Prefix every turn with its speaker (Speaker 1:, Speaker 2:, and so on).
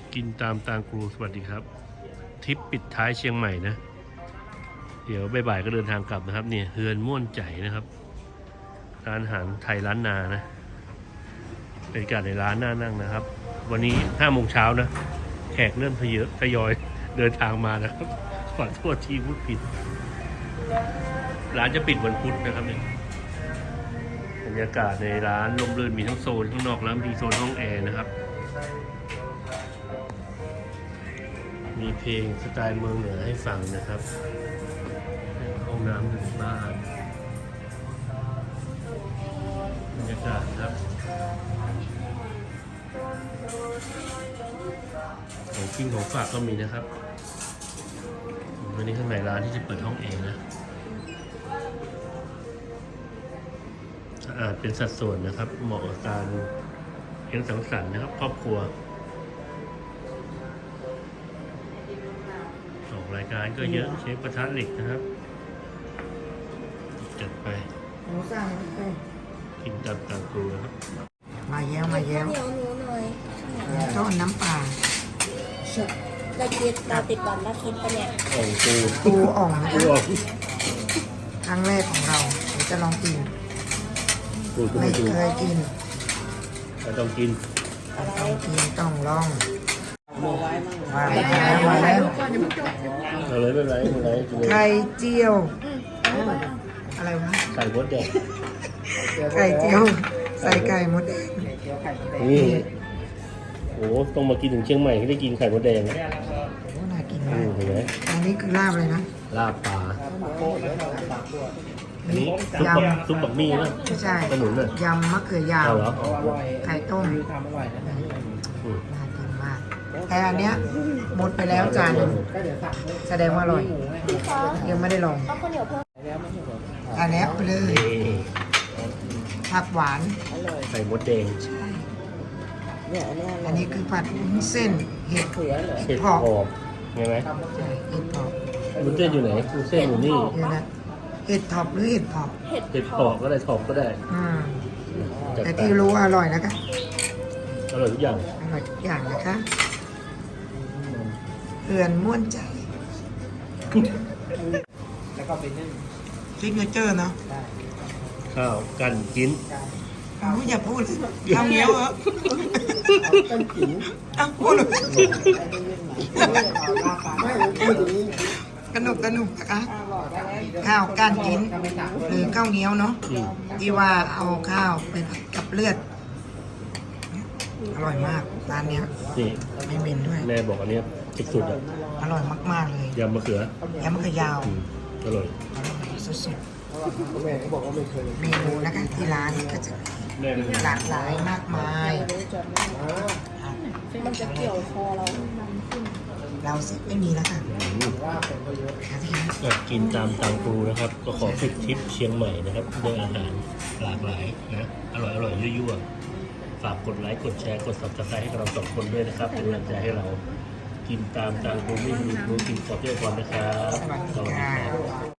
Speaker 1: กินตามตางครูสวัสดีครับทริปปิดท้ายเชียงใหม่นะเดี๋ยวบ่ายๆก็เดินทางกลับนะครับเนี่ยเฮือนม่วนใจนะครับร้านอาหารไทยร้านนานะเป็นการในร้านน่านั่งนะครับวันนี้5 โมงเช้านะแขกเริ่มทยอยเดินทางมานะครับขอโทษทีพูดผิดร้านจะปิดวันพุธนะครับเนี่ยบรรยากาศในร้านร่มรื่นมีทั้งโซนข้างนอกแล้วมีโซนห้องแอร์นะครับมีเพลงสไตล์เมืองเหนือให้ฟังนะครับห้องน้ำหนึ่งบ้านบรรยากาศครับของกินของฝากก็มีนะครับวันนี้ข้างในร้านที่จะเปิดห้องแอร์นะสะอาดเป็นสัดส่วนนะครับเหมาะกับการเลี้ยงสังสรรค์นะครับครอบครัวออกรายการก็เยอะเชฟกระทะเหล็กนะครับจัดไป
Speaker 2: หมูสั่งไป
Speaker 1: กินตามตางครูนะครับ
Speaker 2: มาแย้วมาแย้ว
Speaker 3: เหนียวหนูหน่อย
Speaker 2: ต้นน้ำปลา
Speaker 3: เราติดบอลแล้วคิดปะเนี่ย
Speaker 1: อ่องปู
Speaker 2: ปูอ่องนะ
Speaker 1: ปู
Speaker 2: คะ
Speaker 1: อ่อง
Speaker 2: ครั้งแรกของเราเดี๋ยวจะลองกิน
Speaker 1: ปูปู
Speaker 2: ไม่
Speaker 1: ปู
Speaker 2: เคยกิน
Speaker 1: เราต้องกิน
Speaker 2: ต้องกินต้องลองมาแล้วมาแล้ว
Speaker 1: เอาเลยไม่เป็นไรไม่เป็นไรกินเลย
Speaker 2: ไข่เจียว อะไรวะ
Speaker 1: ไข่มดแดง
Speaker 2: ไข่เจียวใส่ไก่มดแดง
Speaker 1: นี่โอ้ต้องมากินถึงเชียงใหม่ให้ได้กินไข่มดแดงนะ
Speaker 2: โอ้น่ากินมาก
Speaker 1: เห็นไหม
Speaker 2: อันนี้คือลาบเลยนะ
Speaker 1: ลาบปลาอันนี้ซุปบักมี่นะ
Speaker 2: ไม่ใช่
Speaker 1: ขนุนน่ะ
Speaker 2: ยำมะเขือยาว
Speaker 1: เอาเหรอ
Speaker 2: ไข่ต้ม
Speaker 1: อืม
Speaker 2: น่ากินมาก แต่อันเนี้ยหมดไปแล้วจานหนึงแสดงว่าอร่อย
Speaker 3: พี่คะ
Speaker 2: ยังไม่ได้ลอง
Speaker 3: เอาข้าวเหนียวเพิ่ม
Speaker 2: อันเนี้ยไปเลย
Speaker 1: นี่
Speaker 2: ผักหวาน
Speaker 1: ไข่มดแดง
Speaker 2: อันนี้คือผัดวุ้นเส้นเห็ด
Speaker 1: เห็ดหอบเห็นไหม
Speaker 2: ใช่เห็ดเผาะ
Speaker 1: วุ้นเส้นอยู่ไหนวุ้นเส้นอยู่นี่
Speaker 2: เดี๋ยวนะเห็ดถอบหรือเห็ดเผาะ
Speaker 3: เห็ด
Speaker 1: เห็ดหอบก็ได้ถอบก็ได้
Speaker 2: อืม
Speaker 1: จัด
Speaker 2: แต่
Speaker 1: ไป
Speaker 2: ที่รู้ว่าอร่อยนะคะ
Speaker 1: อร่อยทุกอย่าง
Speaker 2: อร่อยทุกอย่างนะคะเพื่อนม่วนใจ
Speaker 4: แล้วก็ไปนึ่ง
Speaker 2: ซิกเนเจอร์เนาะ
Speaker 1: ข้าวกันกิน
Speaker 2: อย่าพูดเลยข้าวเหนียวเหรอ
Speaker 4: ต้นขิง
Speaker 2: อ้าวพูดเลย
Speaker 4: ไม่พูดอย่างนี้
Speaker 2: กระหนุกนะคะ
Speaker 4: บอกได้แล้ว
Speaker 2: ข้าวก้านกิน
Speaker 4: ถ้าไม่ตัก
Speaker 2: หรือข้าวเหนียวเนาะ
Speaker 1: อืม
Speaker 2: ที่ว่าเอาข้าวไปผัดกับเลือด อร่อยมากร้านเนี้ย
Speaker 1: นี่
Speaker 2: ไม่เหม็นด้วย
Speaker 1: แม่บอกอันเนี้ยสุดๆอ่ะ
Speaker 2: อร่อยมากๆเลย
Speaker 1: ยำมะเขือ
Speaker 2: แยำมะเขือยาว
Speaker 1: อืมอร่อย
Speaker 2: อร่อยสุด
Speaker 4: แม่เขาบอกว่าไม่เคย
Speaker 2: ๆเมนูนะคะที่ร้านก็จะมี
Speaker 1: แม่เป็น
Speaker 2: หลากหลายมากมาย
Speaker 3: มันจะเกี่ยวคอเรา
Speaker 2: เราสิไม่มีแล้วค่ะ
Speaker 4: ว่าเป็นก็เยอะ
Speaker 2: หาที่ร้าน
Speaker 1: อยากกินตามตางครูนะครับ ก็ขอปิดทริปเชียงใหม่นะครับด้วยอาหารหลากหลายนะอร่อยยั่วๆฝากกดไลค์กดแชร์กด subscribe ให้กับเราสองคนด้วยนะครับเป็นกำลังใจให้เรากินตามตางครูไม่มีรู้กินขอเที่ยวก่อนนะครับ
Speaker 2: สวัสดีค่ะ